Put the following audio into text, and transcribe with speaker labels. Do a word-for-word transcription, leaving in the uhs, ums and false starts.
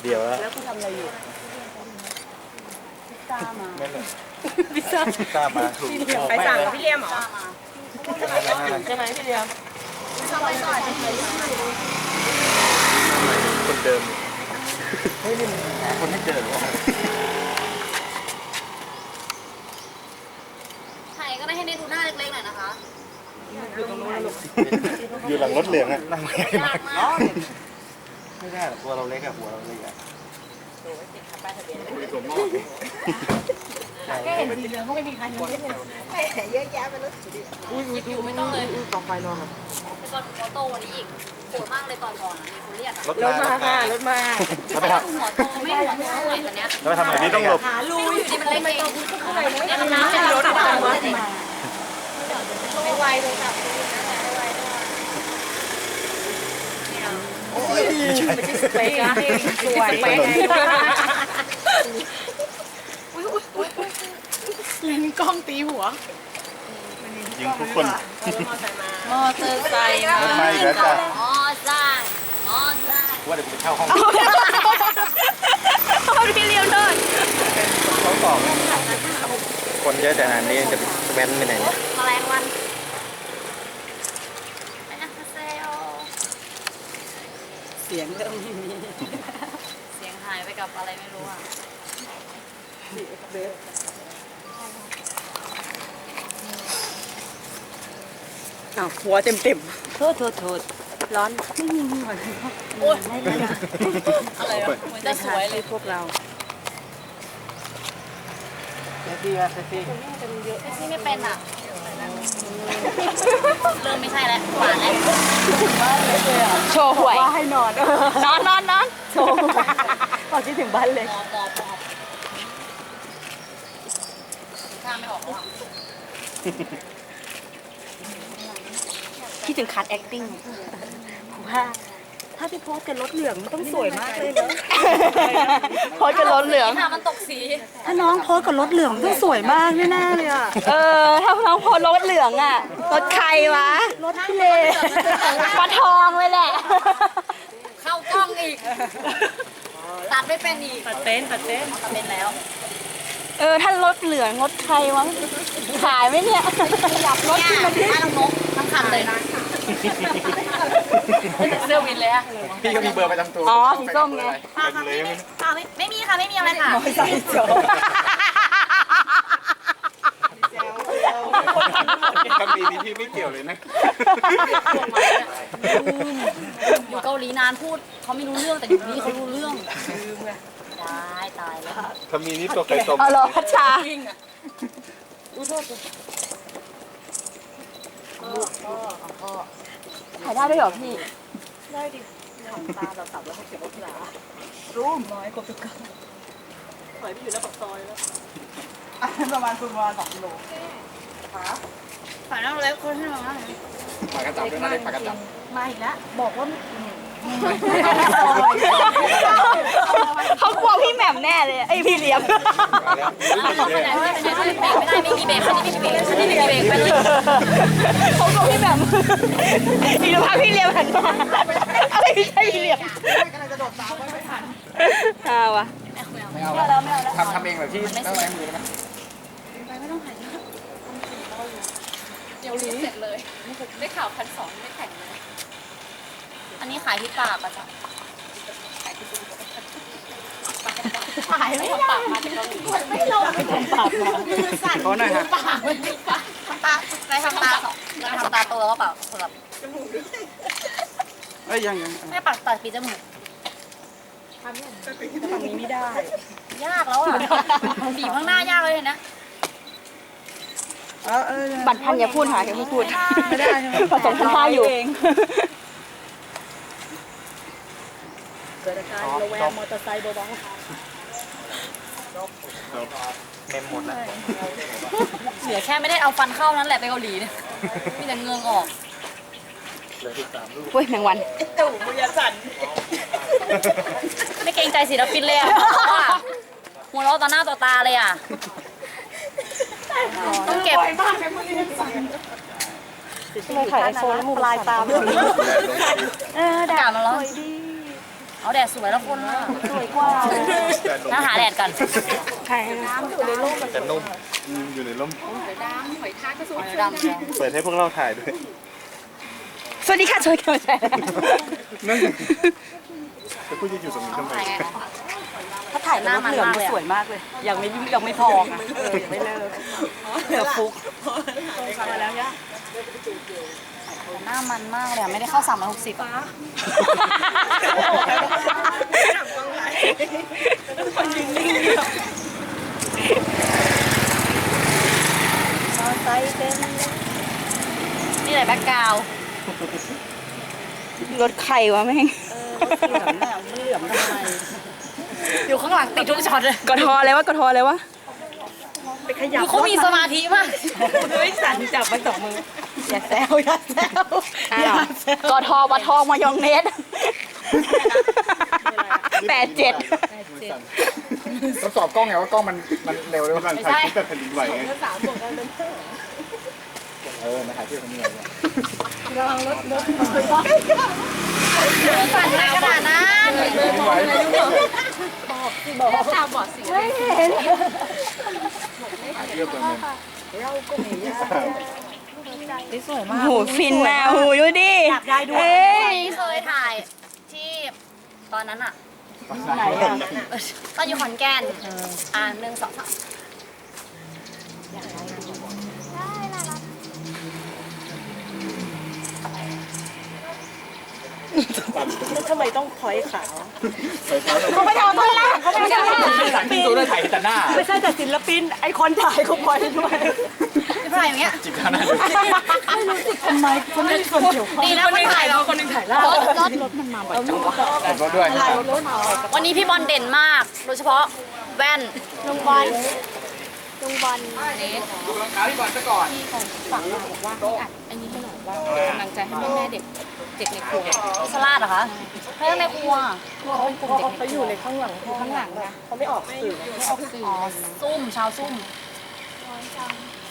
Speaker 1: เดี๋ยวแล้ว
Speaker 2: แล้วคุณทำอะไรอยู่พิซซ่ามา
Speaker 1: ไม่เลย
Speaker 2: พิซซ่า
Speaker 1: พิซซ่ามาถูก
Speaker 2: ใครสั่งพี่เลี้ยมเหรอใช่ไหมพี่เลี้ยม
Speaker 1: คนเดิมเฮ้ยนี่มันหาคนไม่เจอหรอ
Speaker 3: ถ่ายก็ได้ให้ได้ดูหน้าเล็กๆหน่อยนะคะ
Speaker 1: อยู่หลังรถเหลืองอะนั่งไม่ได้
Speaker 3: ยากมาก
Speaker 1: ไม่ได้หรอกตัวเราเล็กอะหัวเราเล็กอะ
Speaker 2: แค่เห็นสีเหลืองก็ไม่มีใครเห็นเยอะแยะไปเลย
Speaker 3: หยิบอยู่ไม่ต้องเลย
Speaker 2: ต่อไฟรอครับ
Speaker 3: ไปก่อนหัวโตกว่านี้อีกโหดมากเลยตอนก่อนมีคนเรียกอะ
Speaker 1: รถ
Speaker 2: รถมาค่ะรถมา
Speaker 1: แล้วไปท
Speaker 3: หัวโตไม่หัวโตเท่าไหร่ตอนเนี้ย
Speaker 1: ำแล้วไปทำอะไรนี่ต้องหลบ
Speaker 2: หาลู
Speaker 3: ไม่รู้อยู่ดีมันเล็กเองเนี่ยน้ำ
Speaker 2: เป็
Speaker 3: เป็น น
Speaker 2: ร
Speaker 3: ร
Speaker 2: ถ
Speaker 3: ถ
Speaker 2: ตามมา
Speaker 3: ไม่ไวเลยค่ะ
Speaker 1: ไม่ใช่
Speaker 2: สเปกนะสวยสเปกเล่นกล้องตีหัว
Speaker 1: ยิงทุกคน
Speaker 2: มอเตอร์ไซค์มาร
Speaker 1: ถมาอีกแล้วจ้ะ
Speaker 3: อ๋อจ้าอ๋อจ้า
Speaker 1: ว่าเดี๋ยวผมไปเช่าห้อง
Speaker 2: พี่เลี้ยวเดิน
Speaker 1: เขาบอกคนเยอะแต่นานนี้จะแว้นไปไหนเนี่ย
Speaker 3: แมลงวันไปนะเซล
Speaker 2: เสียงเริ่มมี
Speaker 3: เสียงหายไปกับอะไรไม่รู้อ่ะ
Speaker 2: อ้าวหัวเต็มเต็มโทษโทษโทษร้อนไม่มีหัวเลย
Speaker 3: โอ้ยอะไรวะเหมือนจะสวยเลย
Speaker 2: พวกเรา
Speaker 1: เซฟี่อะเซฟี่
Speaker 3: แท็กซี่ไม่เป็นอ่ะ เริ่มไม่ใช่แล้วหวานแล้ว
Speaker 2: โชว์หวยว่าให้นอนนอนนอนนอนโชว์บอกคิดถึงบ้านเลย
Speaker 3: มอมอมอข้ามไม่ออกแล้วอะ
Speaker 2: คิดถึงคัด acting ว่าถ้าพี่โพสกับรถเหลืองมันต้องสวยมากเลยนะโพสกับรถเหลือง
Speaker 3: ค่ะมันตกสี
Speaker 2: ถ้าน้องโพสกับรถเหลืองต้องสวยมากแน่ๆเลยอ่ะเออถ้าน้องโพสรถเหลืองอ่ะรถใครวะรถพี่เลปลาทองเลยแหละ
Speaker 3: เข้ากล้องอีก ตัดไม่เป็นอีก
Speaker 2: ตัดเต้นตัดเต้น
Speaker 3: ตัดเป็นแล้ว
Speaker 2: เออถ้ารถเหลืองรถใครวะขายไหมเนี่ยอยากรถ
Speaker 3: เนี่ย
Speaker 2: ขึ้นมาดิ
Speaker 3: บ้านน้องนกทั้งคันเลยนะเสื้อวินเลยอะ
Speaker 1: พี่ก็มีเบอร์ประจำตัว
Speaker 2: อ๋อสีส้มไง
Speaker 1: เป็นเลย
Speaker 3: ค่ะไม่ไม่มีค่ะไม่มีอะไรค่ะ
Speaker 2: ใส่โจ
Speaker 1: คำนี้พี่ไม่เกี่ยวเลยนะ
Speaker 3: อยู่เกาหลีนานพูดเขาไม่รู้เรื่องแต่อยู่นี่เขารู้เรื่องตายตายแล้ว
Speaker 1: คำนี้นี่ตัวไก่ต้ม
Speaker 2: เอาเหรอพัชชาถ่ายได้ด้วยเหรอพี่
Speaker 3: ตาเราตับแล้วเขาเก็บรถที่หลัง
Speaker 2: รูมน้อยกว่าตุกกะถอยไปอยู่หน้าปากซอยแล้วประมาณประมาณสองกิโล
Speaker 3: ฝ่ายน้องเล็กคนให้เราหน่อย
Speaker 1: ปากกระจับด้วยนะเล็กปากกระจับ
Speaker 2: มาอีกแล้วบอกว่าเขากลัวพี่แหม่มแน่เลยไอพี่เลี้ยม
Speaker 1: มาแล้ว
Speaker 3: เขาไปไหนไม่ได้ไม่ได้ไม่มีเบรกคันนี้ไม่มีเบรกคันนี้ไม่มีเบรกไปเลย
Speaker 2: เขากลัวพี่แหม่มอีกแล้วพาพี่เลี้ยมหันมาอะไรไม่ใช่พี่เลี้ยมฮ่าวะ
Speaker 1: ไม่เอาแล้วทำทำเองแบบที่ตั้งแรงมือได้ไหม
Speaker 3: เดี๋ยวรู้เสร็จเลยได้ข่าวพันสองไม่แข่งเลยอันนี้ขายที่ปากอะจ้ะขายไม่ปากมาจากเกาหลีไม่ลงไม่ปากมาสั่น
Speaker 1: ขอหน่อยฮะ
Speaker 3: ปากไม่ปากทำตาได้ทำตาได้ทำตาโตแล้วก็เปล่าสำหรับ
Speaker 1: เอ้ยยังยัง
Speaker 3: ไม่ปากตัดปีจมูก
Speaker 2: ทำนี้ไม่ได้
Speaker 3: ยากแล้วอ่ะบีบข้างหน้ายากเลยนะ
Speaker 2: บัตรพันอย่าพูดหาอย่าพูดไม่ได้ผสมท่าอยู่เกิดอาการระแวงมอเตอร์ไซค์เบา
Speaker 1: เมมหมดแล้ว
Speaker 3: เหลือแค่ไม่ได้เอาฟันเข้านั้นแหละไปเกาหลีเนี่ยมีแต่เงืองออก
Speaker 1: เหลือสิบสามลูก
Speaker 2: ๆเว้ยแมงวันตู่มือสั่น
Speaker 3: ไม่เกรงใจศิลปินเลยอ่ะหัวเราะต่อหน้าต่อตาเลยอ่ะต้องเก็บ
Speaker 2: ไม่ถ่ายไอโฟนแล้วมูลายตามเออด่า
Speaker 3: มาแล้ว
Speaker 2: ดี
Speaker 3: เอาแดดสวยแล้วคนน่ะ
Speaker 2: สวยกว่า
Speaker 3: น่าหาแดดก่อน
Speaker 2: ใครน้ำอยู่ในโลก
Speaker 1: จะนุ่ม
Speaker 4: อืมอยู่ในร่ม
Speaker 3: ดำหอยทากก็สวยดำ
Speaker 4: เปิดให้พวกเราถ่ายด้วย
Speaker 2: สวัสดีค่ะสวัสดีค่ะ
Speaker 4: นั่นแล้วกูจะอยู่ตรงนี้ทำไม
Speaker 2: ถ้าถ่ายหน้ามันเหลืองสวยมากเลย ยังไม่ยังไม่พอค่ะเออยังไม่เลิกเหลือฟุกมาแล้วย่า
Speaker 3: หน้ามันมากเลยอะไม่ได้เข้าสามร้อยหกสิบ
Speaker 2: คนยิงนิ่งเดียวมอไซค์เป็น
Speaker 3: นี่เลยแบ็คกราวด์
Speaker 2: รถใครวะแม่งเหลืองเนี่ยมันเหลืองทำไม
Speaker 3: อยู่ข้างหลังติดทุกช็อตเลย
Speaker 2: กทอเลยวะกทอเลยวะไปขยับ
Speaker 3: ดูเขามีสมาธิมาก
Speaker 2: เฮ้ยสั่นจับไปสองมืออย่าแซวอย่าแซวอย่าแซวกทอวัดทองมายองเนสแปดเจ็ด
Speaker 4: ต้องสอบกล้องไงว่ากล้องมันมันเร็วเลยว่าการถ่ายคลิปแบบแผ่นดินไหวไงเออมาถ่ายที่แผ่นดินไหวเนี่ย
Speaker 3: ฝันในขนาดนั้น
Speaker 4: แผ่นดินไหว
Speaker 3: ตาบอดสิ
Speaker 4: ถ่ายเรื่องตัวนึง
Speaker 2: โหฟินนะโหดูดิอยากได้ด้วย
Speaker 3: นี่เคยถ่ายที่ตอนนั้นอะ
Speaker 2: ไหนอ่ะ
Speaker 3: ตอนอยู่ขอนแก่นอ่าหนึ่งสองสาม
Speaker 2: แล้วทำไมต้องพอยขาว
Speaker 3: เขาไม่ทำต้นล่างเขาไม่ทำต้นล่าง
Speaker 4: หลังที่ตัวได้ถ่ายแต่หน้า
Speaker 2: ไม่ใช่แต่ศิลปินไอคนถ่ายเขาพอยด้วย
Speaker 3: ไม่ถ่ายอย่างเงี้ย
Speaker 4: จิบข้าวหน้า
Speaker 2: ไม่รู้สึกทำไมคนไม่มีส่วนเกี่ยวข้อง
Speaker 3: ดีนะคนถ่ายเรา
Speaker 2: คนหนึงถ่ายล่าร
Speaker 3: ถรถ
Speaker 2: รถมันมาบ่อยจังวะ
Speaker 4: ผมก็ด้วย
Speaker 3: วันนี้พี่บอลเด่นมาก โดยเฉพาะแว่นลุงบอลลุงบอลนี่
Speaker 4: ดูรองเท้าที่บอลซะก่อน
Speaker 3: ฝากมาบอกว่าให้อัดไอ้นี้ให้หน่อยว่าเป็นกำลังใจให้แม่แม่เด็กเด็กในครัวสลัดเหรอคะเรื่องในครัวเขาเป็นกลุ่มเด็กเขาอยู่ในข้างหลังข้างหลังนะ
Speaker 2: เขาไม่ออกสื่อ
Speaker 3: ไม่ออกสื่ออ๋อซุ่มชาวซุ่ม